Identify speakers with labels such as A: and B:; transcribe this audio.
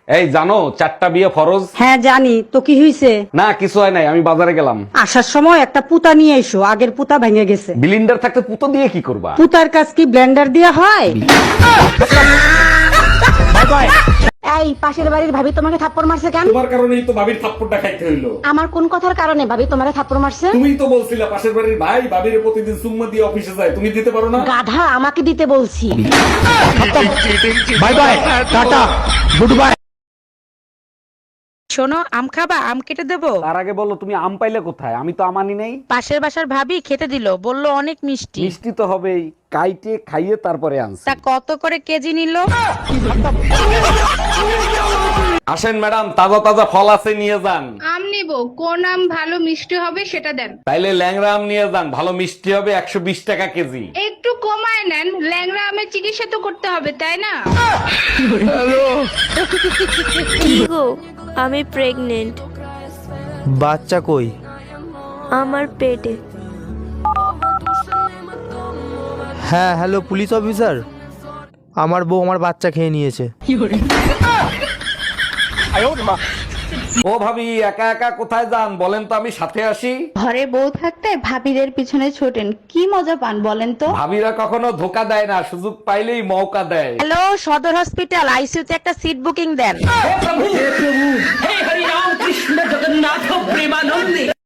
A: এই জানো 4টা বিয়ে ফরজ?
B: হ্যাঁ জানি, তো কি হইছে?
A: না কিছু হয় নাই, আমি বাজারে গেলাম।
B: আসার সময় একটা পুতা নিয়ে এসো, আগের পুতা ভেঙে গেছে।
A: ব্লিন্ডার থাকতে পুতো দিয়ে কি করবা?
B: পুতার কাজ কি ব্লেন্ডার দিয়ে হয়? এই পাশের বাড়ির ভাবি তোমাকে থাপ্পড় মারছে কেন?
A: তোমার কারণেই তো ভাবির থাপ্পড়টা খাইতে হইলো।
B: আমার কোন কথার কারণে ভাবি তোমাকে থাপ্পড় মারছে?
A: তুমিই তো বলছিলা পাশের বাড়ির ভাই ভাবির প্রতিদিন সুম্মা দিয়ে অফিসে যায়, তুমি দিতে পারো না?
B: গাধা, আমাকে দিতে বলছি।
C: Bye bye, tata, good bye.
D: শোনো, আম খাবা? আম কেটে দেবো?
A: তার আগে বলো তুমি আম পাইলে কোথায়? আমি তো আমানি নেই।
D: পাশের বাসার ভাবি খেতে দিল, বললো অনেক মিষ্টি।
A: মিষ্টি তো হবেই, কাইটে খাইয়ে তারপরে আনছি।
D: তা কত করে কেজি নিল?
A: আসেন ম্যাডাম, তাজা তাজা ফল আছে, নিয়ে যান।
E: আম নিব, কোন আম ভালো মিষ্টি হবে সেটা দেন।
A: তাইলে ল্যাংড়া আম নিয়ে যান, ভালো মিষ্টি হবে, 120 টাকা কেজি।
E: একটু কমায় নেন, ল্যাংড়া আমের চিকিৎসা তো করতে হবে তাই না?
F: কি গো, আমি প্রেগনেন্ট।
C: বাচ্চা কই?
F: আমার পেটে।
C: হ্যাঁ হ্যালো পুলিশ অফিসার, আমার বউ আমার বাচ্চা খেয়ে নিয়েছে।
A: ও ভাবি, একা একা কোথায় যান বলেন তো, আমি সাথে আসি।
G: ঘরে বউ থাকতে ভাবিদের পিছনে ছোটেন, কি মজা পান বলেন তো?
A: ভাবিরা কখনো ধোকা দেয় না, সুযোগ পাইলেই মৌকা দেয়।
D: হ্যালো, সদর হসপিটাল, আইসিইউতে একটা সিট বুকিং দেন।